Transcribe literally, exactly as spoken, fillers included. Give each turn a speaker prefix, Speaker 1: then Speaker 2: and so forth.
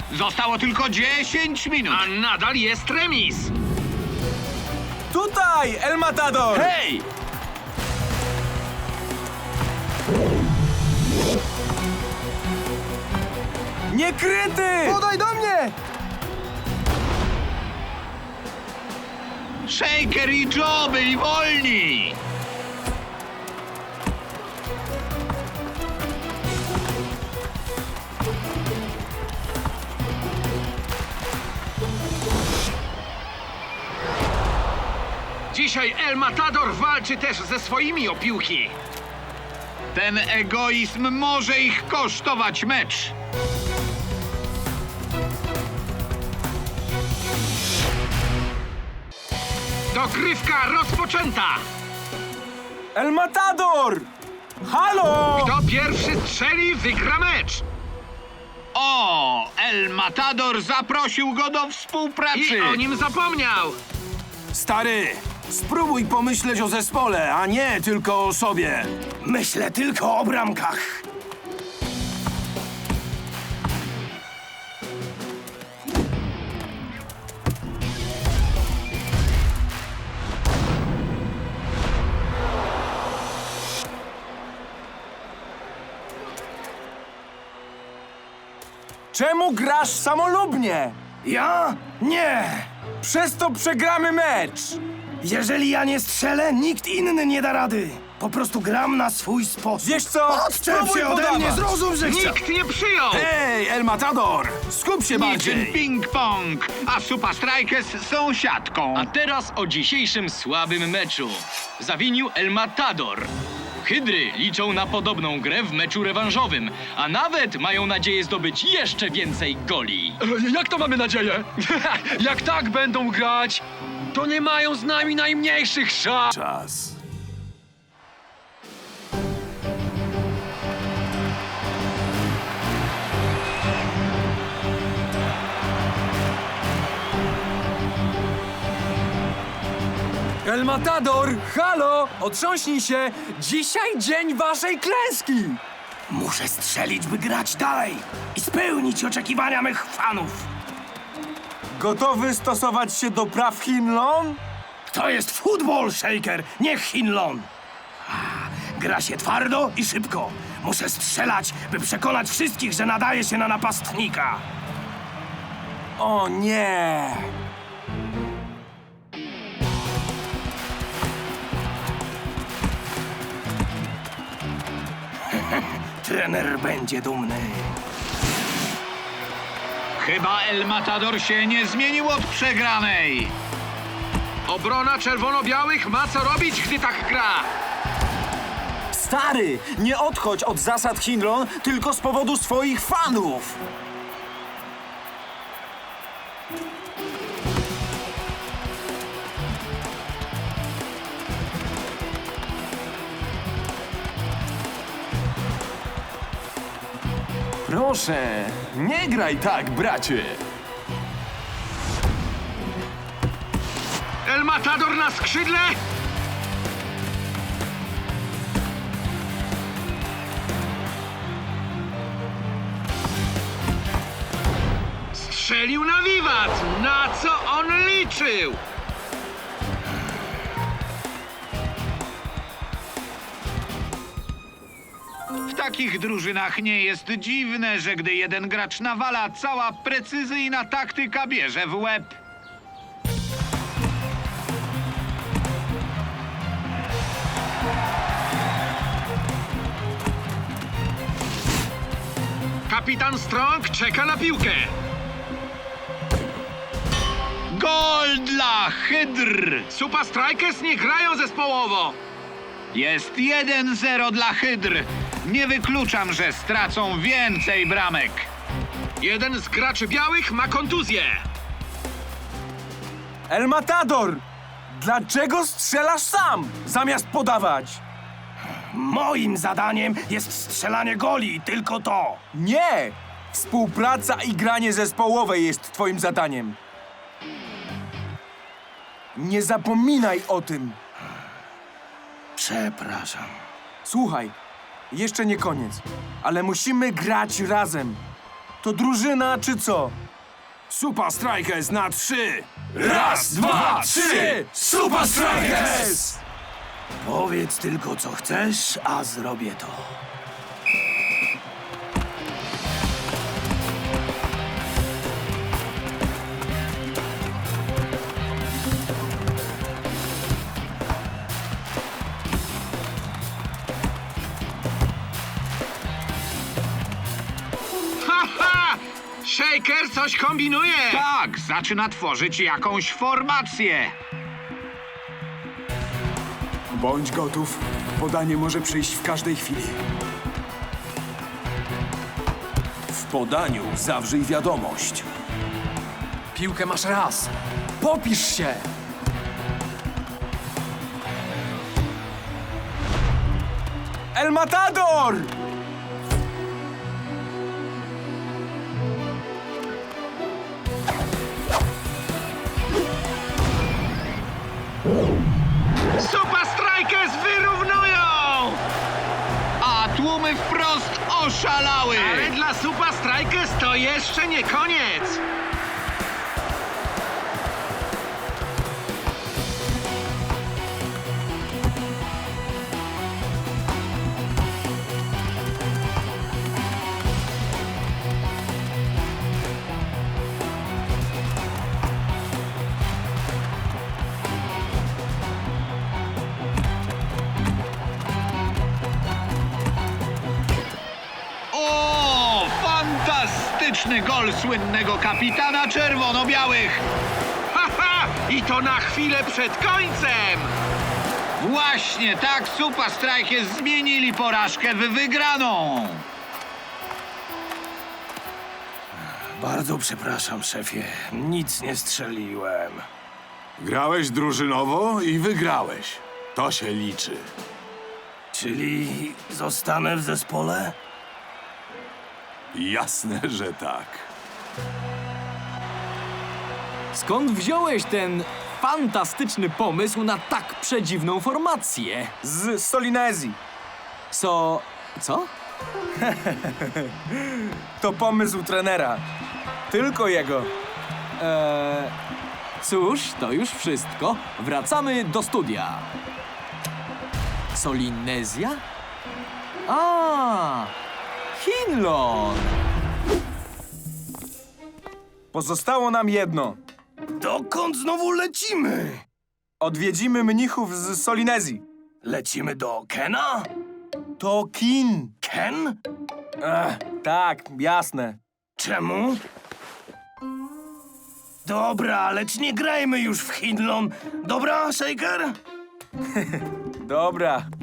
Speaker 1: Zostało tylko dziesięć minut.
Speaker 2: A nadal jest remis.
Speaker 3: Tutaj, El Matador!
Speaker 1: Hej!
Speaker 3: Niekryty!
Speaker 4: Podaj do mnie!
Speaker 1: Shaker i Joe byli wolni!
Speaker 2: Dzisiaj El Matador walczy też ze swoimi o piłki.
Speaker 1: Ten egoizm może ich kosztować mecz.
Speaker 2: Dogrywka rozpoczęta.
Speaker 3: El Matador! Halo!
Speaker 2: Kto pierwszy strzeli, wygra mecz.
Speaker 1: O, El Matador zaprosił go do współpracy.
Speaker 2: I o nim zapomniał.
Speaker 5: Stary, spróbuj pomyśleć o zespole, a nie tylko o sobie.
Speaker 4: Myślę tylko o bramkach.
Speaker 3: Czemu grasz samolubnie?
Speaker 4: Ja? Nie!
Speaker 3: Przez to przegramy mecz!
Speaker 4: Jeżeli ja nie strzelę, nikt inny nie da rady. Po prostu gram na swój sposób.
Speaker 3: Wiesz co?
Speaker 4: Odczep
Speaker 3: Spróbuj
Speaker 4: się ode
Speaker 3: podawać.
Speaker 4: mnie, zrozum, że chcę...
Speaker 2: Nikt nie przyjął.
Speaker 5: Ej, El Matador, skup się
Speaker 1: Niczym
Speaker 5: bardziej.
Speaker 1: ping-pong, a Super Strikers są siatką.
Speaker 6: A teraz o dzisiejszym słabym meczu. Zawinił El Matador. Hydry liczą na podobną grę w meczu rewanżowym, a nawet mają nadzieję zdobyć jeszcze więcej goli.
Speaker 7: Jak to mamy nadzieję? Jak tak będą grać, to nie mają z nami najmniejszych szans.
Speaker 5: Czas.
Speaker 3: El Matador! Halo! Otrząśnij się! Dzisiaj dzień waszej klęski!
Speaker 4: Muszę strzelić, by grać dalej i spełnić oczekiwania mych fanów.
Speaker 3: Gotowy stosować się do praw Hinlon?
Speaker 4: To jest futbol, Shaker, nie Hinlon. A, gra się twardo i szybko. Muszę strzelać, by przekonać wszystkich, że nadaje się na napastnika.
Speaker 3: O nie!
Speaker 4: Trener będzie dumny.
Speaker 1: Chyba El Matador się nie zmienił od przegranej.
Speaker 2: Obrona czerwono-białych ma co robić, gdy tak gra.
Speaker 5: Stary, nie odchodź od zasad Hinlon tylko z powodu swoich fanów.
Speaker 3: Proszę, nie graj tak, bracie!
Speaker 2: El Matador na skrzydle. Strzelił na wiwat. Na co on liczył?
Speaker 1: W takich drużynach nie jest dziwne, że gdy jeden gracz nawala, cała precyzyjna taktyka bierze w łeb.
Speaker 2: Kapitan Strong czeka na piłkę.
Speaker 1: Gol dla Hydr!
Speaker 2: Super Strikers nie grają zespołowo.
Speaker 1: Jest jeden zero dla Hydr. Nie wykluczam, że stracą więcej bramek.
Speaker 2: Jeden z graczy białych ma kontuzję.
Speaker 3: El Matador! Dlaczego strzelasz sam, zamiast podawać?
Speaker 4: Moim zadaniem jest strzelanie goli, tylko to.
Speaker 3: Nie! Współpraca i granie zespołowe jest twoim zadaniem. Nie zapominaj o tym.
Speaker 4: Przepraszam.
Speaker 3: Słuchaj, jeszcze nie koniec, ale musimy grać razem. To drużyna czy co?
Speaker 5: Super Strikers na trzy!
Speaker 3: Raz, dwa, trzy! Super Strikers!
Speaker 4: Powiedz tylko, co chcesz, a zrobię to.
Speaker 2: Haha! Shaker coś kombinuje!
Speaker 1: Tak, zaczyna tworzyć jakąś formację.
Speaker 8: Bądź gotów. Podanie może przyjść w każdej chwili.
Speaker 5: W podaniu zawrzyj wiadomość.
Speaker 3: Piłkę masz raz. Popisz się! El Matador!
Speaker 2: Super Strikers wyrównują!
Speaker 1: A tłumy wprost oszalały.
Speaker 2: Ale dla Super Strikers to jeszcze nie koniec!
Speaker 1: O, fantastyczny gol słynnego kapitana czerwono-białych.
Speaker 2: Haha! I to na chwilę przed końcem!
Speaker 1: Właśnie tak Super Strikers zmienili porażkę w wygraną.
Speaker 4: Bardzo przepraszam, szefie. Nic nie strzeliłem.
Speaker 5: Grałeś drużynowo i wygrałeś. To się liczy.
Speaker 4: Czyli zostanę w zespole?
Speaker 5: Jasne, że tak.
Speaker 9: Skąd wziąłeś ten fantastyczny pomysł na tak przedziwną formację?
Speaker 3: Z Solinezji.
Speaker 9: Co... co?
Speaker 3: To pomysł trenera. Tylko jego.
Speaker 9: Eee, cóż, to już wszystko. Wracamy do studia. Solinezja? A, Hinlon!
Speaker 3: Pozostało nam jedno.
Speaker 4: Dokąd znowu lecimy?
Speaker 3: Odwiedzimy mnichów z Solinezji.
Speaker 4: Lecimy do Kena?
Speaker 3: To kin.
Speaker 4: Ken?
Speaker 3: Ech, tak, jasne.
Speaker 4: Czemu? Dobra, lecz nie grajmy już w Hinlon. Dobra, Shaker?
Speaker 3: Dobra.